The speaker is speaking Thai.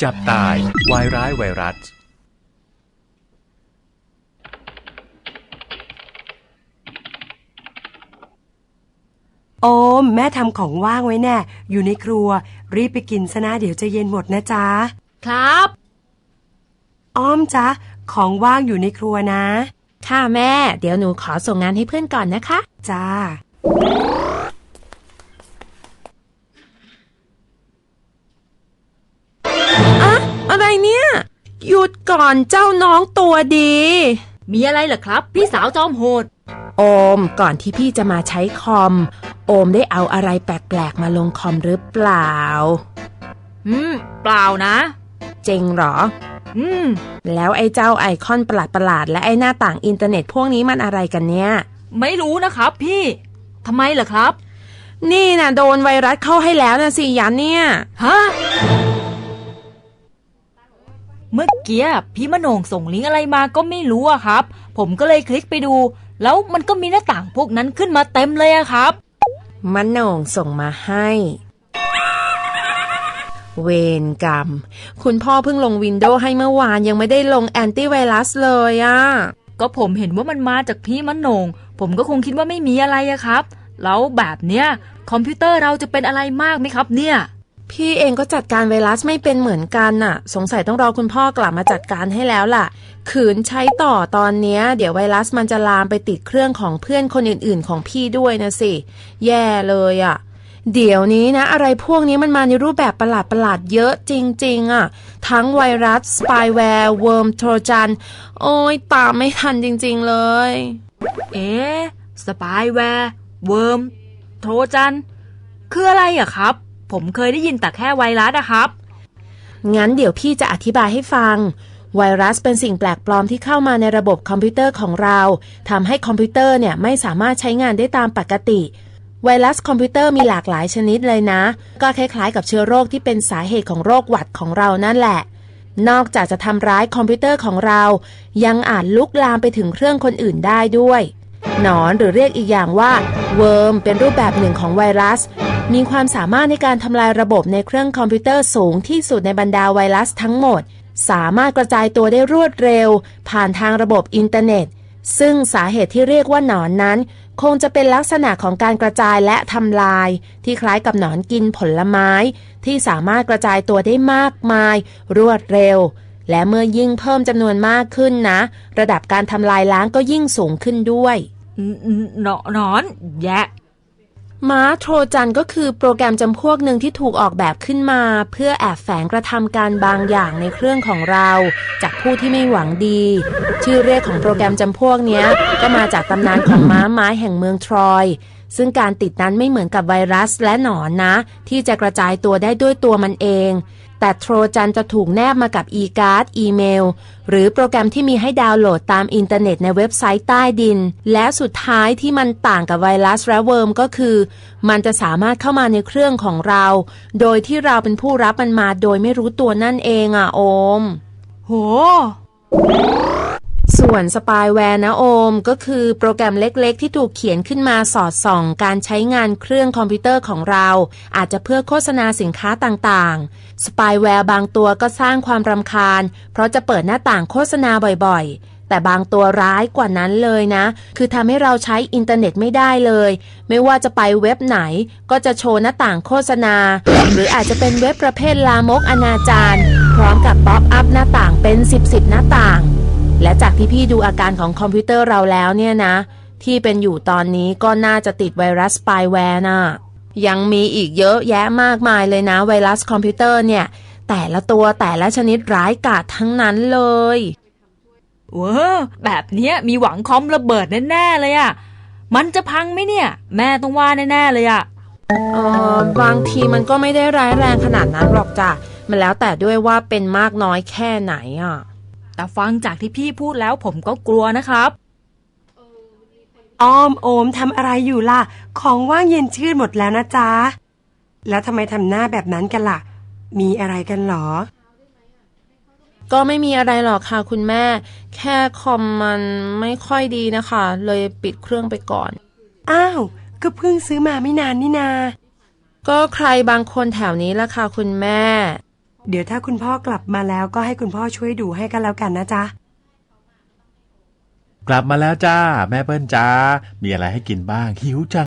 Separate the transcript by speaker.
Speaker 1: จับตายวายร้ายไวรัส
Speaker 2: โอมแม่ทำของว่างไว้แน่อยู่ในครัวรีบไปกินซะนะเดี๋ยวจะเย็นหมดนะจ๊ะ
Speaker 3: ครับ
Speaker 2: อ้อมจ๊ะของว่างอยู่ในครัวนะ
Speaker 3: ค่ะแม่เดี๋ยวหนูขอส่งงานให้เพื่อนก่อนนะคะ
Speaker 2: จ้า
Speaker 3: อะไรเนี่ยหยุดก่อนเจ้าน้องตัวดี
Speaker 4: มีอะไรเหรอครับพี่สาวจอมโหด
Speaker 3: โอมก่อนที่พี่จะมาใช้คอมโอมได้เอาอะไรแปลกๆมาลงคอมหรือเปล่า
Speaker 4: เปล่านะ
Speaker 3: จริงเหรอแล้วไอ้เจ้าไอคอนประหลาดและไอ้หน้าต่างอินเทอร์เน็ตพวกนี้มันอะไรกันเนี่ย
Speaker 4: ไม่รู้นะครับพี่ทำไมเหรอครับ
Speaker 3: นี่นะโดนไวรัสเข้าให้แล้วนะสิยันเนี่ย
Speaker 4: ฮะเมื่อกี้พี่มโนงส่งลิงก์อะไรมาก็ไม่รู้อะครับผมก็เลยคลิกไปดูแล้วมันก็มีหน้าต่างพวกนั้นขึ้นมาเต็มเลยอะครับ
Speaker 3: มโนงส่งมาให้เวรกรรมคุณพ่อเพิ่งลงวินโดว์ให้เมื่อวานยังไม่ได้ลงแอนตี้ไวรัสเลยอะ
Speaker 4: ก็ผมเห็นว่ามันมาจากพี่มโนงผมก็คงคิดว่าไม่มีอะไรอะครับแล้วแบบเนี้ยคอมพิวเตอร์เราจะเป็นอะไรมากไหมครับเนี่ย
Speaker 3: พี่เองก็จัดการไวรัสไม่เป็นเหมือนกันน่ะสงสัยต้องรอคุณพ่อกลับมาจัดการให้แล้วล่ะขืนใช้ต่อตอนเนี้ยเดี๋ยวไวรัสมันจะลามไปติดเครื่องของเพื่อนคนอื่นๆของพี่ด้วยนะสิแย่เลยอ่ะเดี๋ยวนี้นะอะไรพวกนี้มันมาในรูปแบบประหลาดๆเยอะจริงๆอ่ะทั้งไวรัสสปายแวร์เวิร์มโทรจันโอ้ยตามไม่ทันจริงๆเลย
Speaker 4: สปายแวร์เวิร์มโทรจันคืออะไรอะครับผมเคยได้ยินแต่แค่ไวรัสนะครับ
Speaker 3: งั้นเดี๋ยวพี่จะอธิบายให้ฟังไวรัสเป็นสิ่งแปลกปลอมที่เข้ามาในระบบคอมพิวเตอร์ของเราทำให้คอมพิวเตอร์เนี่ยไม่สามารถใช้งานได้ตามปกติไวรัสคอมพิวเตอร์มีหลากหลายชนิดเลยนะก็คล้ายๆกับเชื้อโรคที่เป็นสาเหตุของโรคหวัดของเรานั่นแหละนอกจากจะทำร้ายคอมพิวเตอร์ของเรายังอาจลุกลามไปถึงเครื่องคนอื่นได้ด้วยหนอนหรือเรียกอีกอย่างว่าเวิร์มเป็นรูปแบบหนึ่งของไวรัสมีความสามารถในการทำลายระบบในเครื่องคอมพิวเตอร์สูงที่สุดในบรรดาไวรัสทั้งหมดสามารถกระจายตัวได้รวดเร็วผ่านทางระบบอินเทอร์เน็ตซึ่งสาเหตุที่เรียกว่าหนอนนั้นคงจะเป็นลักษณะของการกระจายและทำลายที่คล้ายกับหนอนกินผลไม้ที่สามารถกระจายตัวได้มากมายรวดเร็วและเมื่อยิ่งเพิ่มจำนวนมากขึ้นนะระดับการทำลายล้างก็ยิ่งสูงขึ้นด้วย
Speaker 4: หนอนแยะ
Speaker 3: ม้าโทรจันก็คือโปรแกรมจำพวกหนึ่งที่ถูกออกแบบขึ้นมาเพื่อแอบแฝงกระทำการบางอย่างในเครื่องของเราจากผู้ที่ไม่หวังดีชื่อเรียกของโปรแกรมจำพวกนี้ก็มาจากตำนานของม้าไม้แห่งเมืองทรอยซึ่งการติดนั้นไม่เหมือนกับไวรัสและหนอนนะที่จะกระจายตัวได้ด้วยตัวมันเองแต่โทรจันจะถูกแนบมากับการ์ดอีเมลหรือโปรแกรมที่มีให้ดาวน์โหลดตามอินเทอร์เน็ตในเว็บไซต์ใต้ดินและสุดท้ายที่มันต่างกับไวรัสและเวิร์มก็คือมันจะสามารถเข้ามาในเครื่องของเราโดยที่เราเป็นผู้รับมันมาโดยไม่รู้ตัวนั่นเองอ่ะโอม
Speaker 4: โห
Speaker 3: ส่วนสปายแวร์นะโอมก็คือโปรแกรมเล็กๆที่ถูกเขียนขึ้นมาสอดส่องการใช้งานเครื่องคอมพิวเตอร์ของเราอาจจะเพื่อโฆษณาสินค้าต่างๆสปายแวร์บางตัวก็สร้างความรำคาญเพราะจะเปิดหน้าต่างโฆษณาบ่อยๆแต่บางตัวร้ายกว่านั้นเลยนะคือทำให้เราใช้อินเทอร์เน็ตไม่ได้เลยไม่ว่าจะไปเว็บไหนก็จะโชว์หน้าต่างโฆษณาหรืออาจจะเป็นเว็บประเภทลามกอนาจารพร้อมกับป๊อปอัพหน้าต่างเป็น10หน้าต่างและจากที่พี่ดูอาการของคอมพิวเตอร์เราแล้วเนี่ยนะที่เป็นอยู่ตอนนี้ก็น่าจะติดไวรัสสปายแวร์น่ะยังมีอีกเยอะแยะมากมายเลยนะไวรัสคอมพิวเตอร์เนี่ยแต่ละตัวแต่ละชนิดร้ายกาจทั้งนั้นเลย
Speaker 4: แบบเนี้ยมีหวังคอมระเบิดแน่ๆเลยอ่ะมันจะพังไหมเนี่ยแม่ต้องว่าแน่ๆเลยอ่ะ
Speaker 3: บางทีมันก็ไม่ได้ร้ายแรงขนาดนั้นหรอกจ้ะมันแล้วแต่ด้วยว่าเป็นมากน้อยแค่ไหนอ่ะ
Speaker 4: แต่ฟังจากที่พี่พูดแล้วผมก็กลัวนะครับ
Speaker 2: อ้อมโอมทำอะไรอยู่ล่ะของว่างเย็นชื่นหมดแล้วนะจ๊ะแล้วทำไมทำหน้าแบบนั้นกันล่ะมีอะไรกันหรอ
Speaker 3: ก็ไม่มีอะไรหรอกค่ะคุณแม่แค่คอมมันไม่ค่อยดีนะคะเลยปิดเครื่องไปก่อน
Speaker 2: อ้าวก็เพิ่งซื้อมาไม่นานนี่นา
Speaker 3: ก็ใครบางคนแถวนี้ล่ะค่ะคุณแม่
Speaker 2: เดี๋ยวถ้าคุณพ่อกลับมาแล้วก็ให้คุณพ่อช่วยดูให้กันแล้วกันนะจ๊ะ
Speaker 1: กลับมาแล้วจ้า แม่เปิ้ลจ้า มีอะไรให้กินบ้างหิวจัง